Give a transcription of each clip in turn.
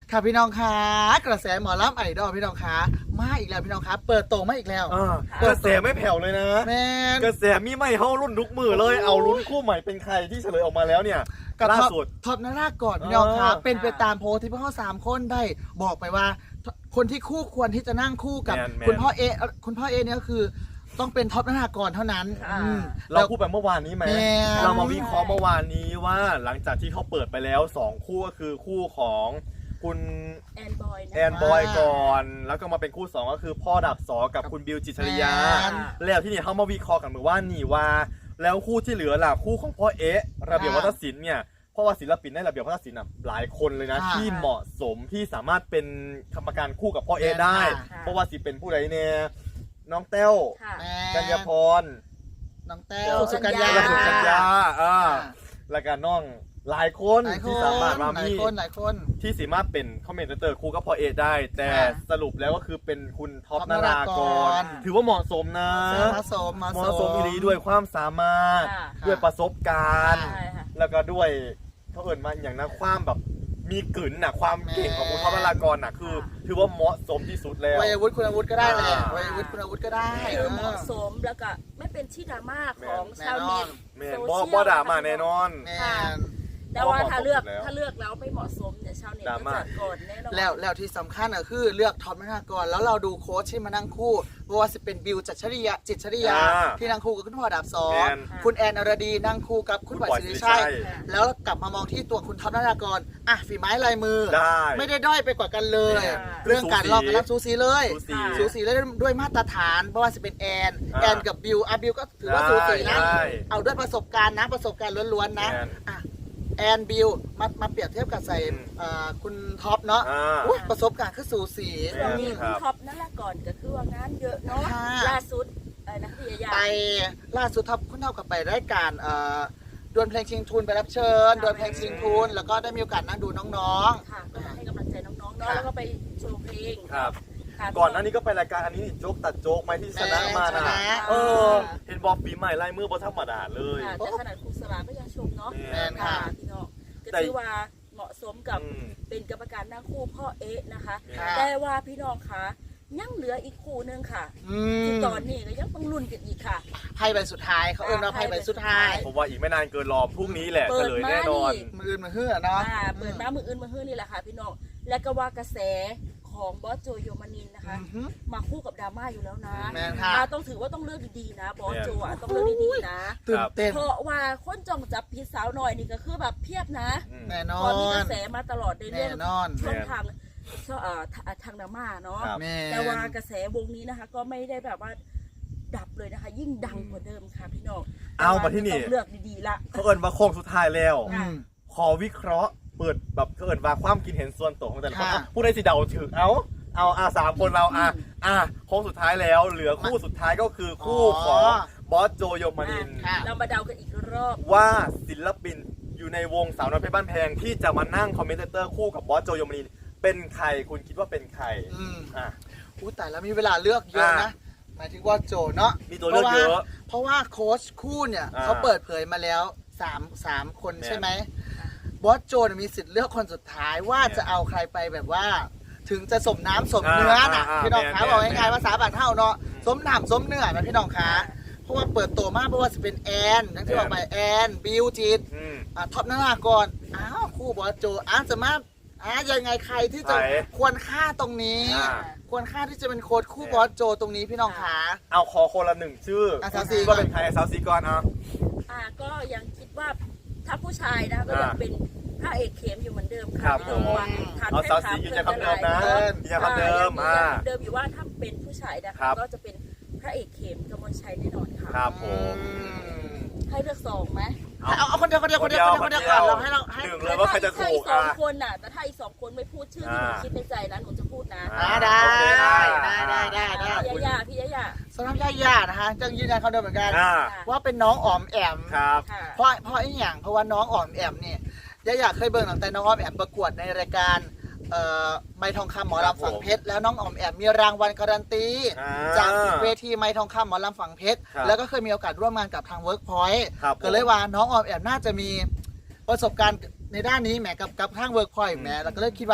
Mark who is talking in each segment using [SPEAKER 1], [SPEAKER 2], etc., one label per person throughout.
[SPEAKER 1] ค่ะพี่น้องคะกระแสหมอลำไอดอลพี่น้องคะมาอีกแล้วพี่น้องคะเปิดโตมาอีกแล้ว
[SPEAKER 2] กระแสไม่แผ่วเลยนะ
[SPEAKER 1] แมน
[SPEAKER 2] กระแสมีไม่เฮารุ่นทุกมือเลยเอาลุ้นคู่ใหม่เป็นใครที่เฉลยออกมาแล้วเนี่ย
[SPEAKER 1] กับ
[SPEAKER 2] ล่าสุด
[SPEAKER 1] ท็อปนาราก่อนพี่น้องคะ
[SPEAKER 2] เออ
[SPEAKER 1] เป็นไปตามโพสที่พวกเขา3 คนได้บอกไปว่า คนที่คู่ควรที่จะนั่งคู่กับ
[SPEAKER 2] แมน
[SPEAKER 1] คุณพ่อเอเนี่ยก็คือต้องเป็นท็อปนารากรเท่านั้น
[SPEAKER 3] ค่ะ
[SPEAKER 2] เราพูดไปเมื่อวานนี้ไหม
[SPEAKER 1] แมน
[SPEAKER 2] เรามาวิเคราะห์เมื่อวานนี้ว่าหลังจากที่เขาเปิดไปแล้ว2คู่ก็คือคู่ของคุณ
[SPEAKER 3] แอนบอยนะ
[SPEAKER 2] แอนบอยก่อน แล้วก็มาเป็นคู่2ก็คือพ่อดับสอกับคุณบิวจิตรชริยา
[SPEAKER 1] แมน
[SPEAKER 2] แล้วที่นี่เขามาวิเคราะห์กันเหมือนว่านี่ว่า แล้วคู่ที่เหลือล่ะคู่ของพ่อระเบียบวัฒนศิลป์เนี่ยเพราะว่าศิลปินในระเบียบวัฒนศิลป์หลายคนเลยนะ
[SPEAKER 1] ค่ะ
[SPEAKER 2] ที่เหมาะสมที่สามารถเป็นกรรมการคู่กับพ่อได้
[SPEAKER 1] ค่ะ
[SPEAKER 2] เพราะว่าสิเป็นผู้ใดเนี่ยน้องแต้ว
[SPEAKER 3] ค่ะ
[SPEAKER 1] แม
[SPEAKER 2] กัญญาพร
[SPEAKER 1] น้องแต้วสุกัญญา
[SPEAKER 2] และสุกัญญา
[SPEAKER 1] ค่ะ
[SPEAKER 2] แล้วก็น้องหลายคน
[SPEAKER 1] หลายค
[SPEAKER 2] ที่
[SPEAKER 1] น
[SPEAKER 2] สามารถมา
[SPEAKER 1] หลาย
[SPEAKER 2] มี
[SPEAKER 1] คนหลายคน
[SPEAKER 2] ที่สามารถเป็นคอมเมนเตอร์คู่กับพ่อได้ แต่
[SPEAKER 1] ค่ะ
[SPEAKER 2] สรุปแล้วก็คือเป็นคุณท็อป
[SPEAKER 1] ท็อป
[SPEAKER 2] นาราก
[SPEAKER 1] นาราก
[SPEAKER 2] ร
[SPEAKER 1] ร
[SPEAKER 2] ถือว่าเหมาะสมนะ
[SPEAKER 1] เหมาะสม
[SPEAKER 2] เหมาะสมอีหลีด้วยความสามารถ
[SPEAKER 3] ค่ะ
[SPEAKER 2] ด้วยประสบการณ์
[SPEAKER 3] ใช่ค่ะ
[SPEAKER 2] แล้วก็ด้วยเขาเอิญมาอย่างนั้นความแบบมีกลิ่นน่ะความเก่งของคุณท็อปนารากรน่ะคือ ถือว่าเหมาะสมที่สุดแล้ว
[SPEAKER 1] วัยวุฒิคุณวุฒิก็ได้แหละ
[SPEAKER 2] อ่า
[SPEAKER 1] วัยวุฒิคุณวุฒิก็ได้
[SPEAKER 3] คือเหมาะสมแล้วก็ไม่เป็นที่ดราม่าของชาวเน็ต
[SPEAKER 2] แม่น
[SPEAKER 3] โซ
[SPEAKER 2] บ่
[SPEAKER 3] เชียล
[SPEAKER 2] บ่ด่ามาแน่นอน
[SPEAKER 1] แมน
[SPEAKER 3] แต่ว่าถ้าเลือก
[SPEAKER 2] เหมาะสมแล้ว
[SPEAKER 3] ถ้าเลือกแล้วไม่เหมาะสมเนี่ยชาวเน็ต
[SPEAKER 2] ดรา
[SPEAKER 3] ก็
[SPEAKER 2] ม่า
[SPEAKER 3] จัดก่อนแน่นอน
[SPEAKER 1] แล้วที่สำคัญก็คือเลือกท็อปนากรแล้วเราดูโค้ชที่มานั่งคู่เพราะว่าจะเป็นบิวจิตรชริยาที่นั่งคู่กับคุณพ่อดาบสอ
[SPEAKER 2] แม่
[SPEAKER 1] ง
[SPEAKER 2] น
[SPEAKER 1] คุณแอนอรดีนั่งคู่กับคุณบอยสิริชัย แล้วกลับมามองที่ตัวคุณท็อปนากรอ่ะฝีไม้ลายมือ
[SPEAKER 2] ได้
[SPEAKER 1] ไม่ได้ด้อยไปกว่ากันเลย
[SPEAKER 2] แม่น
[SPEAKER 1] เรื่องการลอกกันรับสูสีเลย
[SPEAKER 2] สูสี
[SPEAKER 1] สูสีเลยด้วยมาตรฐานเพราะว่าจะเป็นแอน
[SPEAKER 2] อ่า
[SPEAKER 1] แอนกับบิวบิวก็ถือว่าสูสีนะ
[SPEAKER 2] ได้
[SPEAKER 1] เอาด้วยประสบการณ์นะประสบการณ์ล้วนๆนะ
[SPEAKER 2] แม่น
[SPEAKER 1] อ่ะแอนบิวมาเปรียบเทียบกับใส่ คุณท็อปเนาะ
[SPEAKER 2] อ่า
[SPEAKER 1] อุ๊ยประสบการณ์คือสูสี
[SPEAKER 3] ช่วงนี้
[SPEAKER 2] ครั
[SPEAKER 3] คุณ
[SPEAKER 2] บ
[SPEAKER 3] ท็อปนั่นแหละก่อนก็คือว่างานเยอะเนาะ
[SPEAKER 1] ค่ะ
[SPEAKER 3] ล่าสุดนะพี่ยา
[SPEAKER 1] ไปล่าสุดท็อปคุณเท่ากับไปรายการดวลเพลงชิงทุนไปรับเชิญดวลเพลงชิงทุนแล้วก็ได้มีโอกาสนั่งดูน้อง
[SPEAKER 3] ค่ะก็มาให้กำลังใจน้องๆเนาะ
[SPEAKER 1] ค่ะ
[SPEAKER 3] แล้วก็ไปโชว์เพลง
[SPEAKER 2] ครับ
[SPEAKER 3] ค่ะ
[SPEAKER 2] ก่อนหน้านี้ก็ไปรายการอันนี้นี่โจ๊กตัดโจ๊กไหมที่ชนะมา
[SPEAKER 1] ช
[SPEAKER 2] นะ
[SPEAKER 1] นะ
[SPEAKER 2] เออ เห็นบอกปีใหม่ไล่มือบนธรรมดาเลย
[SPEAKER 3] ค่ะแต่ขนาดครูสลาก็ยังชมเนาะ
[SPEAKER 1] แม่นค่ะ
[SPEAKER 3] พี่น้องก็
[SPEAKER 2] แต่
[SPEAKER 3] ถือว่าเหมาะสมกับ
[SPEAKER 2] อืม
[SPEAKER 3] เป็นกรรมการนั่งคู่พ่อนะคะ
[SPEAKER 1] ค่ะ
[SPEAKER 3] แต่ว่าพี่น้องคะยังเหลืออีกคู่หนึงค่ะ
[SPEAKER 1] อื
[SPEAKER 3] ที่
[SPEAKER 1] ม
[SPEAKER 3] ตอนนี้ก็ยังต้องลุ้นกันอีกค่ะ
[SPEAKER 1] ไพ่ใบสุดท้ายเขาเอิ้นว่าไพ่ใบสุดท้าย
[SPEAKER 2] ผมว่าอีกไม่นานเกินรอพรุ่งนี้แหละ
[SPEAKER 3] เปิ
[SPEAKER 2] เฉ
[SPEAKER 3] ด
[SPEAKER 2] ลย
[SPEAKER 3] มา
[SPEAKER 2] แน่นอน
[SPEAKER 3] นี่
[SPEAKER 1] มืออื่นมาเฮือเนาะ
[SPEAKER 3] เปิดมามืออื่นมาเฮือนี่แหละค่ะพี่น้องและก็ว่ากระแสของบอสโจโยมานินนะคะ
[SPEAKER 1] อือฮึ
[SPEAKER 3] มาคู่กับดราม่าอยู่แล้วนะ
[SPEAKER 1] แม่นค่ะ
[SPEAKER 3] ต้องถือว่าต้องเลือกดีๆนะบอสโจต้องเลือกดีๆนะ
[SPEAKER 1] ตื่นเต้น
[SPEAKER 3] เพราะว่าคนจ้องจับผิดสาวหน่อยนี่ก็คือแบบเพียบนะ
[SPEAKER 1] แน่นอ
[SPEAKER 3] พอมีก
[SPEAKER 1] น
[SPEAKER 3] ระแสมาตลอดในเรื่
[SPEAKER 1] แน่
[SPEAKER 3] อง
[SPEAKER 1] นอน
[SPEAKER 3] ช่องทางทางดราม่าเนาะ
[SPEAKER 2] ครับ
[SPEAKER 1] แม่
[SPEAKER 3] แต่ว่ากระแสวงนี้นะคะ ก็ไม่ได้แบบว่าดับเลยนะคะ ยิ่งดังกว่าเดิมค่ะพี่น้อง
[SPEAKER 2] เอามาที่นี่
[SPEAKER 3] ต้องเลือกดีๆละ
[SPEAKER 2] เขาเอิญว่าโค้งสุดท้ายแล้ว
[SPEAKER 1] อืม
[SPEAKER 2] ขอวิเคราะห์เปิดแบบเขาเอิญว่าความคิดเห็นส่วนตัวของแต่ละคน
[SPEAKER 1] ค่ะ
[SPEAKER 2] อ่ะผู้ใดสิเดาถึงเอาสามคนเราโค้งสุดท้ายแล้ว เหลือคู่สุดท้ายก็คือคู่ของบอสโจโยมานิน
[SPEAKER 1] ค่ะ
[SPEAKER 3] เรามาเดากันอีกรอบ
[SPEAKER 2] ว่าศิลปินอยู่ในวงสาวน้อยเพชรบ้านแพงที่จะมานั่งคอมเมนเตอร์คู่กับบอสโจโยมานินเป็นใครคุณคิดว่าเป็นใคร
[SPEAKER 1] อืม
[SPEAKER 2] อ่ะ
[SPEAKER 1] อู้แต่แล้วมีเวลาเลือกเยอะนะ หมายถึงว่าโจเนาะ
[SPEAKER 2] มีตัวเลือกเยอะ
[SPEAKER 1] เพราะว่าโค้ชคู่เนี่ย
[SPEAKER 2] อ่า
[SPEAKER 1] เขาเปิดเผยมาแล้วสามคน
[SPEAKER 2] แม่น
[SPEAKER 1] ใช่ไหมบอสโจเนี่ยมีสิทธิ์เลือกคนสุดท้ายว่า
[SPEAKER 2] แม่น
[SPEAKER 1] จะเอาใครไปแบบว่า ถึงจะสมน้ำสมเนื้อน่ะ พี่น้องคะ
[SPEAKER 2] แม่น
[SPEAKER 1] บอกง่าย
[SPEAKER 2] แม่น
[SPEAKER 1] ๆภาษาบาลเท่าเนาะสมน้ำสมเนื้อนะพี่น้องคะเพราะว่าเปิดตัวมากเพราะว่าจะเป็นแอนทั้งที่บอกไปแอนบิวจิต
[SPEAKER 2] อืม
[SPEAKER 1] ท็อปนารากรอ้าวคู่บอสโจจะมายังไงใครที่จะ
[SPEAKER 2] ไหน
[SPEAKER 1] ควรค่าตรงนี้
[SPEAKER 2] อ่า
[SPEAKER 1] ควรค่าที่จะเป็นโค้ชคู่บอสโจตรงนี้พี่น้องคะ
[SPEAKER 2] เอาขอคนละหนึ่งชื่อ
[SPEAKER 1] สาวซี
[SPEAKER 2] ว่าเป็นใครสาวซีก่อนเอา
[SPEAKER 3] ก็ยังคิดว่าถ้าผู้ชายนะก็ยังเป็นพระเอกเข้มอยู่เหมือนเดิม
[SPEAKER 2] ครั
[SPEAKER 3] ค่ะ
[SPEAKER 2] บ
[SPEAKER 3] พี่น้องว่าทาน
[SPEAKER 2] เอา
[SPEAKER 3] แค่
[SPEAKER 2] สาว
[SPEAKER 3] ถา
[SPEAKER 2] ซี
[SPEAKER 3] ม
[SPEAKER 2] ยืน
[SPEAKER 3] เพื่
[SPEAKER 2] ยั
[SPEAKER 3] อน น
[SPEAKER 2] คำเดิมนะยืนยันคำเดิม
[SPEAKER 3] ยังเดิมอยู่ว่าถ้าเป็นผู้ชายนะ
[SPEAKER 2] ครั
[SPEAKER 3] คะ
[SPEAKER 2] บ
[SPEAKER 3] ก็จะเป็นพระเอกเข้มกมลชัยแน่นอนค่ะ
[SPEAKER 2] ครับผม
[SPEAKER 3] ให้เลือกสองไหม
[SPEAKER 1] เอาคนเดียวก่อนเราให้
[SPEAKER 2] หนึ่งเลยว่าใครจะถูก
[SPEAKER 3] ถ้าอีกสองคนน่ะแต่ถ้าอีกสองคนไม่พูดชื่อที่หนูคิดในใจนะหนูจะพูดนะ
[SPEAKER 1] ได้
[SPEAKER 2] โอเค
[SPEAKER 3] พี่ยาพี่ยา
[SPEAKER 1] สำหรับย่านะคะจังยืนยันคำเดิมเหมือนกัน
[SPEAKER 2] อ่า
[SPEAKER 1] ว่าเป็นน้องอ๋อมแอม
[SPEAKER 2] ครับ
[SPEAKER 3] ค่ะ
[SPEAKER 1] เพราะไอ้อย่างเพราะว่าน้องอ๋อมแอมเนี่ยย่าเคยเบิ่งตั้งแต่น้องอ๋อมแอมประกวดในรายการไม้ทองคำหมอลำฝังเพชรแล้วน้องอ๋อมแอมมีรางวัลการันตีจากเวทีไม้ทองคำหมอลำฝังเพชรแล้วก็เคยมีโอกาสร่วมงานกับทางเวิร์กพอยต์
[SPEAKER 2] ครับ
[SPEAKER 1] ก็เลยว่าน้องออมแอมน่าจะมีประสบการณ์ในด้านนี้แหมกับทางเวิร์กพอยต์แหมแล้วก็เลยคิดว่า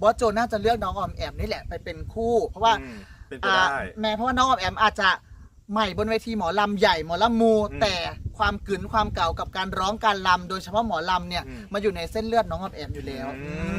[SPEAKER 1] บอสโจน่าจะเลือกน้องออมแอมนี่แหละไปเป็นคู่เพราะว่า
[SPEAKER 2] เป็นไปได้
[SPEAKER 1] แม้เพราะว่าน้องออมแอมอาจจะใหม่บนเวทีหมอลำใหญ่หมอลำมู แต่ความกึ๋นความเก่ากับการร้องการลำโดยเฉพาะหมอลำเนี่ยมาอยู่ในเส้นเลือดน้องออมแอมอยู่แล้ว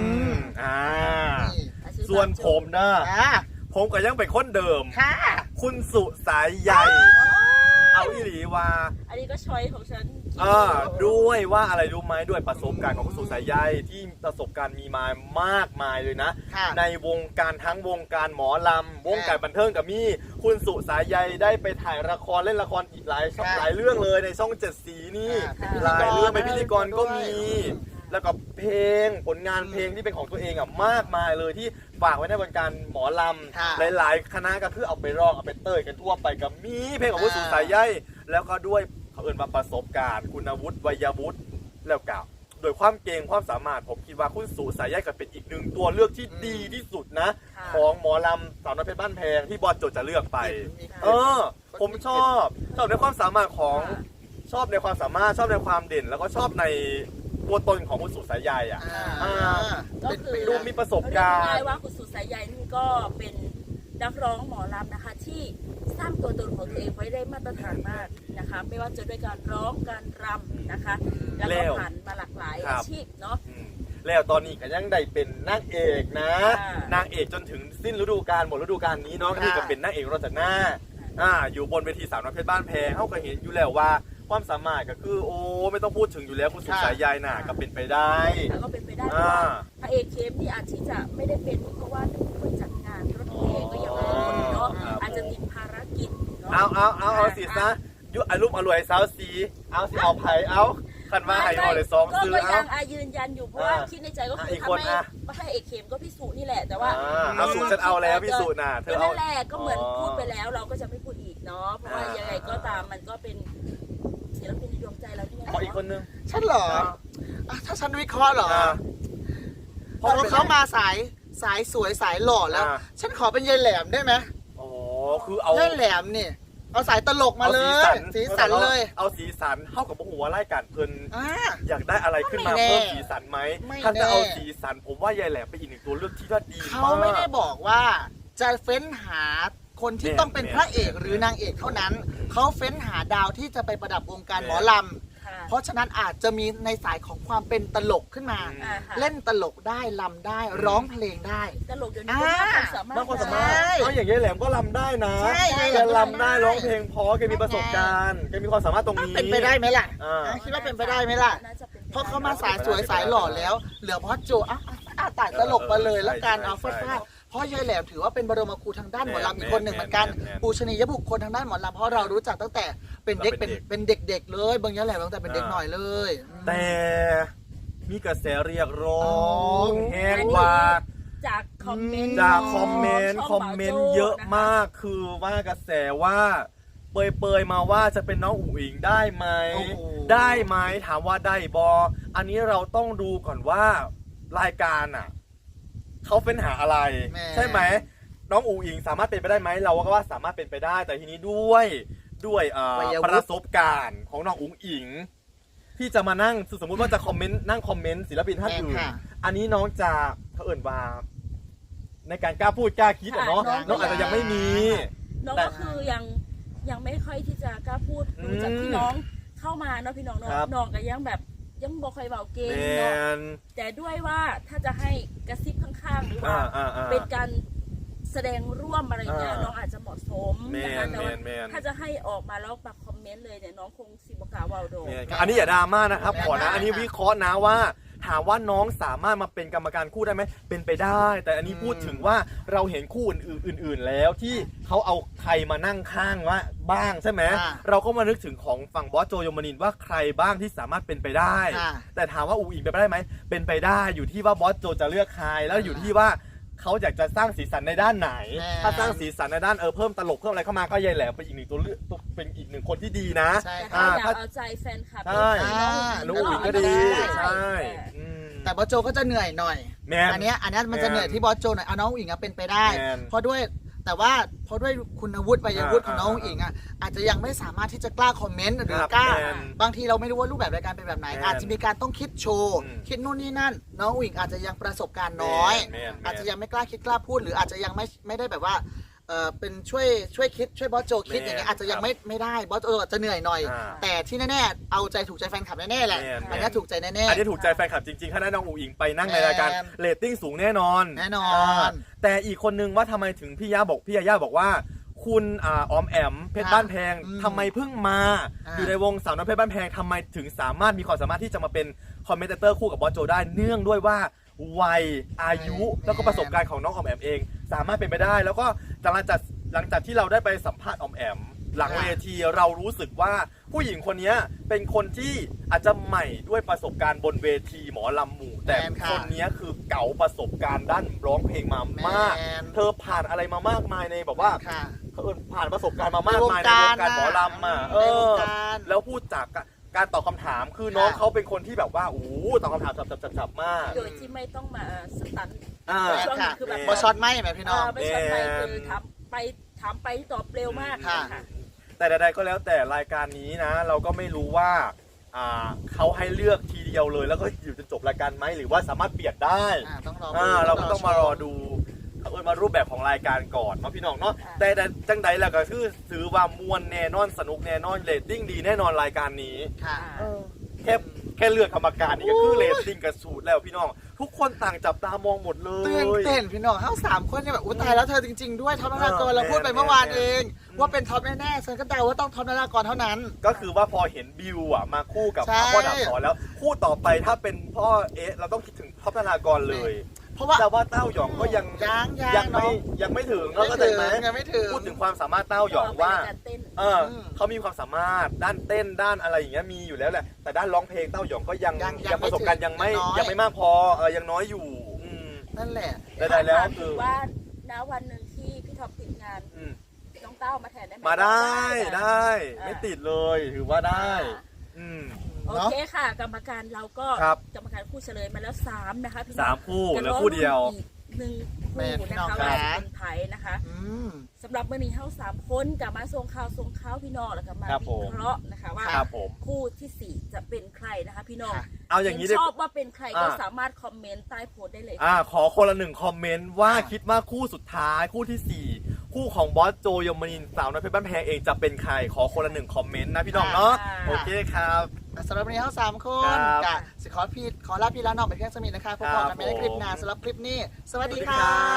[SPEAKER 1] นี่
[SPEAKER 2] ส่วนผมนะ
[SPEAKER 1] อ่า
[SPEAKER 2] ผมก็ยังเป็นคนเดิม
[SPEAKER 1] ค่ะ
[SPEAKER 2] คุณสุสายใยเอาอีหลีว่า
[SPEAKER 3] อันนี้ก็ชอยของฉัน
[SPEAKER 2] ด้วยว่าอะไรรู้ไหมด้วยประสบการณ์ของคุณสุสายใยที่ประสบการณ์มีมามากมายเลยนะ
[SPEAKER 1] ค่ะ
[SPEAKER 2] ในวงการทั้งวงการหมอลำวงการบันเทิงกับมี่คุณสุสายใยได้ไปถ่ายละครเล่นละครอีกหลายช่องหลายเรื่องเลยในช่อง7 สีนี่หลายเรื่องเป็นพิธีกรก็มี แล้วก็เพลงผลงานเพลงที่เป็นของตัวเองอ่ะมากมายเลยที่ฝากไว้ในวงการหมอลำหลายๆคณะก็คือเอาไปร้องเอาไปเต้ยกันทั่วไปกับมีเพลงของคุณสุสายใยแล้วก็ด้วยเขาเอิญมาประสบการณ์คุณวุฒิวัยวุฒิแล้วก็โดยความเก่งความสามารถผมคิดว่าคุณสุสายใยก็เป็นอีกหนึ่งตัวเลือกที่ดีที่สุดนะของหมอลำสาวน้อยเพชรบ้านแพงที่บอสโจจะเลือกไปผมชอบในความสามารถของชอบในความสามารถชอบในความเด่น แล้วก็ชอบในตัวตนของคุณสุสายใยอ่ะ
[SPEAKER 3] ก็คือ
[SPEAKER 2] ดูมีประสบการณ์
[SPEAKER 3] เรียกได้ว่าคุณสุสายใยนี่ก็เป็นนักร้องหมอลำนะคะที่สร้างตัวตนของตัวเองไว้ได้มาตรฐานมากนะคะไม่ว่าจะด้วยการร้องการรำนะคะแล้วก็ผ่านมาหลากหลายอาชีพเนาะ
[SPEAKER 2] แล้วตอนนี้ก็ยังได้เป็นนางเอกนะ
[SPEAKER 3] ค่ะ
[SPEAKER 2] นางเอกจนถึงสิ้นฤดูกาลหมดฤดูกาลนี้เนาะก็คือก็เป็นนางเอกรอจากหน้าอยู่บนเวทีสาวน้อยเพชรบ้านแพงเขาก็เห็นอยู่แล้วว่าความสามารถก็คือโอ้ไม่ต้องพูดถึงอยู่แล้วคุณสุสายใยน่ะก็เป็นไปได้
[SPEAKER 3] แล้วก็เป็นไปได้เพราะว่าพระเอกเคมนี่อาจที่จะไม่ได้เป็นเพราะว่าเป็นคนจัดงานรถเพลงก็ยังไม่ได้เนาะอาจจะติดภารกิจเนาะ
[SPEAKER 2] เอาสิซะยุอารมณ์อร่วยสาวสีเอาสิเอาไผ่เอาขันมาไห่หอเลย2ซื้อ
[SPEAKER 3] ก็
[SPEAKER 2] เอา
[SPEAKER 3] ยังยืนยันอยู่เพราะว่าคิดในใจก็คือถ้าไม่พระเอกเคมก็พิสูจน์นี่แหละแต่ว่า
[SPEAKER 2] เอาสูตรฉันเอาแล้วพี่สูตรน่ะเธอเอา
[SPEAKER 3] นั่นแหละก็เหมือนพูดไปแล้วเราก็จะไม่พูดอีกเนาะเพราะว่ายังไงก็ตามมันก็เป็นศิลปินในดวงใจเราที่
[SPEAKER 2] ขออีกคนนึง
[SPEAKER 1] ฉันเหรอถ้าฉันวิเคราะห์เหรอพอเขามาสายสวยสายหล่อแล้ว ฉันขอเป็นยายแหลมได้ไหม
[SPEAKER 2] อ๋อคือเอา
[SPEAKER 1] ยายแหลมนี่เอาสายตลกมาเลยสีสันเลย
[SPEAKER 2] เอาสีสันเข้ากับหัวไล่การเพลิน
[SPEAKER 1] อ่า
[SPEAKER 2] อยากได้อะไรขึ้นมา
[SPEAKER 1] ไม่แน่
[SPEAKER 2] เพิ่มสีสันไหม
[SPEAKER 1] ไม่
[SPEAKER 2] ถ้าจะเอา
[SPEAKER 1] แน่
[SPEAKER 2] สีสันผมว่ายายแหลมเป็นอีกหนึ่งตัวเลือกที่ว่าดี
[SPEAKER 1] เขาไม่ได้บอกว่าจะเฟ้นหาคนที่ต้องเป็นพระเอกหรือนางเอกเท่านั้น เขาเฟ้นหาดาวที่จะไปประดับวงการหมอลำเพราะฉะนั้นอาจจะมีในสายของความเป็นตลกขึ้นมา เล่นตลกได้ลำได้ร้องเพลงได้
[SPEAKER 3] ตลกเดี๋ยวนี้ก็มากความสามารถ
[SPEAKER 2] มากความสามารถเอาอย่างยายแหลมก็ลำได้นะ
[SPEAKER 1] ใช่
[SPEAKER 2] แกลำได้ร้องเพลงเพราะแกมีประสบการณ์แกมีความสามารถตรงนี้
[SPEAKER 1] เป็นไปได้ไหมล่ะ
[SPEAKER 2] อ่า
[SPEAKER 1] คิดว่าเป็นไปได้ไหมล่ะ เพราะเขามาสายสวยสายหล่อแล้ว เหลือพอโจตายตลกมาเลยแล้วกันเอาฟาดเพราะยายแหลมถือว่าเป็นบรมครูทางด้านหมอลำอีกคนหนึ่งเหมือนกันปูชนียบุคคลทางด้านหมอลำเพราะเรารู้จักตั้งแต่เป็นเด็กเป็นเด็กๆเลยบางยายแหลมตั้งแต่เป็นเด็กหน่อยเลย
[SPEAKER 2] แต่มีกระแสเรียกร้องแห้งว่า
[SPEAKER 3] จากคอมเมนต์
[SPEAKER 2] จากคอมเมนต์เยอะมากคือว่ากระแสว่าเปยมาว่าจะเป็นน้องอุ๋งอิงได้ไหม
[SPEAKER 1] โอ้โห
[SPEAKER 2] ได้ไหมถามว่าได้บออันนี้เราต้องดูก่อนว่ารายการอ่ะเขาเฟ้นหาอะไร ใช่ไหมน้องอุ๋งอิงสามารถเป็นไปได้ไหมเราก็ว่าสามารถเป็นไปได้ แต่ทีนี้ด้วยประสบการณ์ของน้องอุ๋งอิงที่จะมานั่งสมมุติว่าจะนั่งคอมเมนต์ศิลปินท่านอื่นอันนี้น้องจะเขาเอ่นว่าในการกล้าพูดกล้าคิดอ่ะเนาะน้องอาจจะยังไม่มี
[SPEAKER 3] น้องก็คือยังไม่ค่อยที่จะกล้าพูดดูจากที่น้องเข้ามาเนาะพี่น้องเนาะน้องก็ยังแบบยังบอกใครเบาเก่งเนาะแต่ด้วยว่าถ้าจะให้กระซิบข้างๆหรือว่าเป็นการแสดงร่วมอะไรเงี้ยน้องอาจจะเหมาะสมนะคะแต่ว่าถ้าจะให้ออกมาแล้วมาคอมเมนต์เลยเนี่ยน้องคงสิบกาวาโด
[SPEAKER 2] อันนี้อย่าดราม่านะครับขอนะอันนี้วิเคราะห์นะว่าถามว่าน้องสามารถมาเป็นกรรมการคู่ได้ไหมเป็นไปได้ แต่อันนี้พูดถึงว่าเราเห็นคู่อื่นๆแล้วที่เขาเอาใครมานั่งข้างว่าบ้างใช่ไหมเราก็มานึกถึงของฝั่งบอสโจยมนินทร์ว่าใครบ้างที่สามารถเป็นไปได้ แต่ถามว่าอูอิงเป็นไปได้ไหมเป็นไปได้อยู่ที่ว่าบอสโจจะเลือกใครแล้วอยู่ที่ว่าเขาอยากจะสร้างสีสันในด้านไหนถ้าสร้างสีสันในด้านเพิ่มตลกเพิ่มอะไรเข้ามาก็ยายแหลมเป็นอีกหนึ่งตัวเลือกเป็นอีกหนึ่งคนที่ดีนะ
[SPEAKER 3] อยากเอาใจแฟนคลับ
[SPEAKER 2] ใช่น้องอุ๋งก็ดีใช่
[SPEAKER 1] แต่บอสโจก็จะเหนื่อยหน่อยอันนี้มันจะเหนื่อยที่บอสโจหน่อยน้องอุ๋งเป็นไปได้เพราะด้วยแต่ว่าเพราะด้วยคุณวุฒิวัยวุฒิของน้องอิงอ่ะอาจจะยังไม่สามารถที่จะกล้าคอมเมนต์หรือกล้าบางทีเราไม่รู้ว่ารูปแบบรายการเป็นแบบไหนอาจจะมีการต้องคิดโชว์คิดนู่นนี่นั่นน้องอิงอาจจะยังประสบการณ์น้อยอาจจะยังไม่กล้าคิดกล้าพูดหรืออาจจะยังไม่ได้แบบว่าเป็นช่วยคิดช่วยบอสโจคิดอย่างเงี้ยอาจจะยังไม่ได้บอสโจอาจจะเหนื่อยหน่อยแต่ที่แน่ๆเอาใจถูกใจแฟนคลับแน่ๆแหละอันนี้ถูกใจแน่ๆ
[SPEAKER 2] อันนี้ถูกใจแฟนคลับจริงๆถ้าได้น้องอุ๋งอิงไปนั่งในรายการเรตติ้งสูงแน่นอนแต่อีกคนนึงว่าทำไมถึงพี่ยาบอกว่าคุณออมแอมเพชรบ้านแพงทำไมเพิ่งมาอยู่ในวงสาวน้อยเพชรบ้านแพงทำไมถึงสามารถมีความสามารถที่จะมาเป็นคอมเมนเตอร์คู่กับบอสโจได้เนื่องด้วยว่าวัยอายุแล้วก็ประสบการณ์ของน้องออมแอมเองสามารถเป็นไปได้แล้วก็หลังจากที่เราได้ไปสัมภาษณ์ออมแอมหลังเวทีเรารู้สึกว่าผู้หญิงคนนี้เป็นคนที่อาจจะใหม่ด้วยประสบการณ์บนเวทีหมอลำหมู่แต่คนนี้คือเก๋าประสบการณ์ด้านร้องเพลงมามากเธอผ่านอะไรมามากมายในแบบว่าผ่านประสบการณ์มามากมายในวงการหมอลำแล้วพูดจากการตอบคำถามคือน้องเขาเป็นคนที่แบบว่าตอบคำถามจับมาก
[SPEAKER 3] โดยที่ไม่ต้องมาสตันช่วงคือแบบ
[SPEAKER 1] บอช็อตไม่ไหมพี่น้อง
[SPEAKER 3] ไม่ช็อตไม่คือถามไปตอบเร็วมากค่ะ
[SPEAKER 2] แต่ใดๆก็แล้วแต่รายการนี้นะเราก็ไม่รู้ว่าเขาให้เลือกทีเดียวเลยแล้วก็อยู่จนจบรายการไหมหรือว่าสามารถเปลี่ยนได้เราก็ต้องมารอดูมารูปแบบของรายการก่อนเนาะพี่น้องเนาะแต่จังใดแล้วก็คือถือว่ามวลแน่นอนสนุกแน่นอนเรตติ้งดีแน่นอนรายการนี้แค่เลือกกรรมการนี่ก็คือเรตติ้งกระสูดแล้วพี่น้องทุกคนต่างจับตามองหมดเลย
[SPEAKER 1] ตื่นเต้นพี่น้องทั้ง3คนเนี่ยแบบตายแล้วเธอจริงๆด้วยท็อปนารากรเราพูดไปเมื่อวานเองว่าเป็นท็อปแน่ๆฉันก็เดาว่าต้องท็อปนารากรเท่านั้น
[SPEAKER 2] ก็คือว่าพอเห็นบิวมาคู่กับพ่อดาบสอนแล้วคู่ต่อไปถ้าเป็นพ่อเราต้องคิดถึงท็อปนารากรเลยเพราะว่าเต้าหยองก็ยังไม่ถึงก็ได้ไหมพูดถึงความสามารถเต้าหยองว่าเขามีความสามารถด้านเต้นด้านอะไรอย่างเงี้ยมีอยู่แล้วแหละแต่ด้านร้องเพลงเต้าหยองก็ยังประสบการณ์ยังไม่มากพอยังน้อยอยู่
[SPEAKER 1] นั่นแหละ
[SPEAKER 2] ได้แล้วคือ
[SPEAKER 3] ว่าณวันหนึ่งที่พี่ท็อปติดงานน้องเต้ามาแทนได้ไหม
[SPEAKER 2] มาได้ไม่ติดเลยถือว่าได้
[SPEAKER 3] โอเคค่ะกรรมการเราก็กรรมการคู่เฉลยมาแล้ว3นะคะพี่
[SPEAKER 2] 3คู่แล้วคู่เดียว
[SPEAKER 3] 1คู่นะคะว่าเป็นไทยนะคะสำหรับเมื่อนี้เท่า3คนกับมาส่งข่าวพี่น้องแล้วก็มาวิเคราะห์นะคะว่าคู่ที่4จะเป็นใครนะคะพี่น้อง
[SPEAKER 2] เอาอย่างนี้
[SPEAKER 3] ชอบว่าเป็นใครก็สามารถคอมเมนต์ใต้โพสต์ได้เลย
[SPEAKER 2] ขอคนละ1คอมเมนต์ว่าคิดว่าคู่สุดท้ายคู่ที่4คู่ของบอสโจยมนินทร์สาวน้อยเพชรบ้านแพงเองจะเป็นใครขอคนละ1คอมเมนต์นะพี่น้องเนาะโอเคครับ
[SPEAKER 1] สำหรับวันนี้ทั้ง3คนกะขอลาพี่ลาน้องไปเพียงสมิธนะคะพบกันในคลิปหน้าสำหรับคลิปนี้สวัสดีค่ะ